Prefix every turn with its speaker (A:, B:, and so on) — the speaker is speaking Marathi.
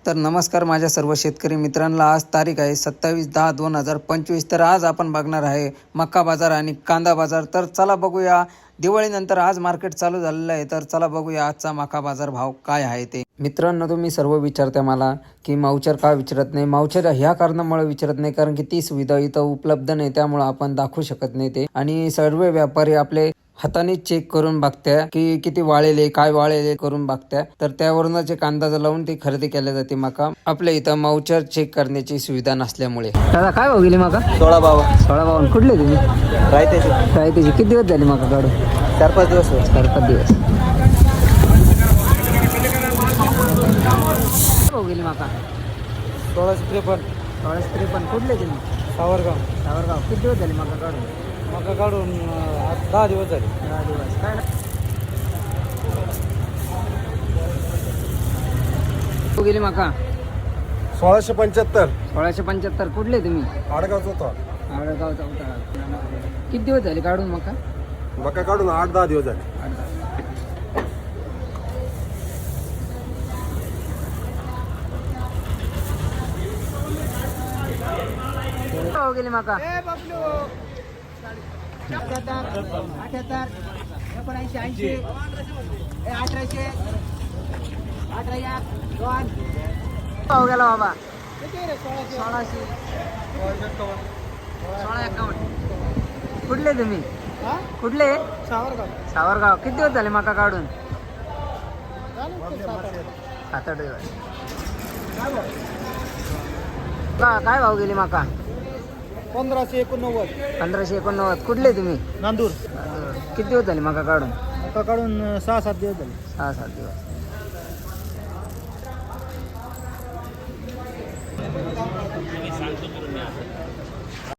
A: तर नमस्कार माझ्या सर्व शेतकरी मित्रांना. आज तारीख आहे 27/10/2025. तर आज आपण बघणार आहे मक्का बाजार आणि कांदा बाजार. तर चला बघूया, दिवाळीनंतर आज मार्केट चालू झालेलं आहे. तर चला बघूया आजचा मक्का बाजार भाव काय आहे ते. मित्रांनो, तुम्ही सर्व विचारता मला की मावचर का विचारत नाही. मावचर ह्या कारणामुळे विचारत नाही कारण की ती सुविधा इथं उपलब्ध नाही, त्यामुळे आपण दाखवू शकत नाही ते. आणि सर्व व्यापारी आपले हाताने चेक करून बघत्या की किती वाळेले काय वाळेले करून बघत्या. तर त्यावरूनच एक अंदाज लावून ती खरेदी केल्या जाते मका. आपल्या इथं मावचर चेक करण्याची सुविधा नसल्यामुळे. दादा काय भाव गेली मका? 16 कुठले तुम्ही? रायतेची. किती दिवस झाले मका काढून?
B: 4-5 दिवस.
A: 4-5 दिवस. भाव गेली मका?
B: 1653.
A: कुठले तुम्ही?
B: सावरगाव.
A: किती दिवस झाले मका काढून?
B: मका काढून 10 दिवस झाले.
A: 10 दिवस. काय भाव गेली मका?
B: 1675.
A: 1675. कुठले तुम्ही?
B: आडगावचा होता.
A: आडगावचा उतारा. किती दिवस झाले काढून मका?
B: मका काढून 8-10 दिवस झाले.
A: भाव गेली मका? 18 भाव गेला बाबा? 1651. कुठले तुम्ही? कुठले? सावरगाव. किती दिवस झाले मका काढून? 7-8 दिवस. काय भाव गेली मका?
B: 1589.
A: 1589. कुठले तुम्ही?
B: नांदूर.
A: किती दिवस झाले मका काढून?
B: मका काढून 6-7 दिवस झाले.
A: 6-7 दिवस.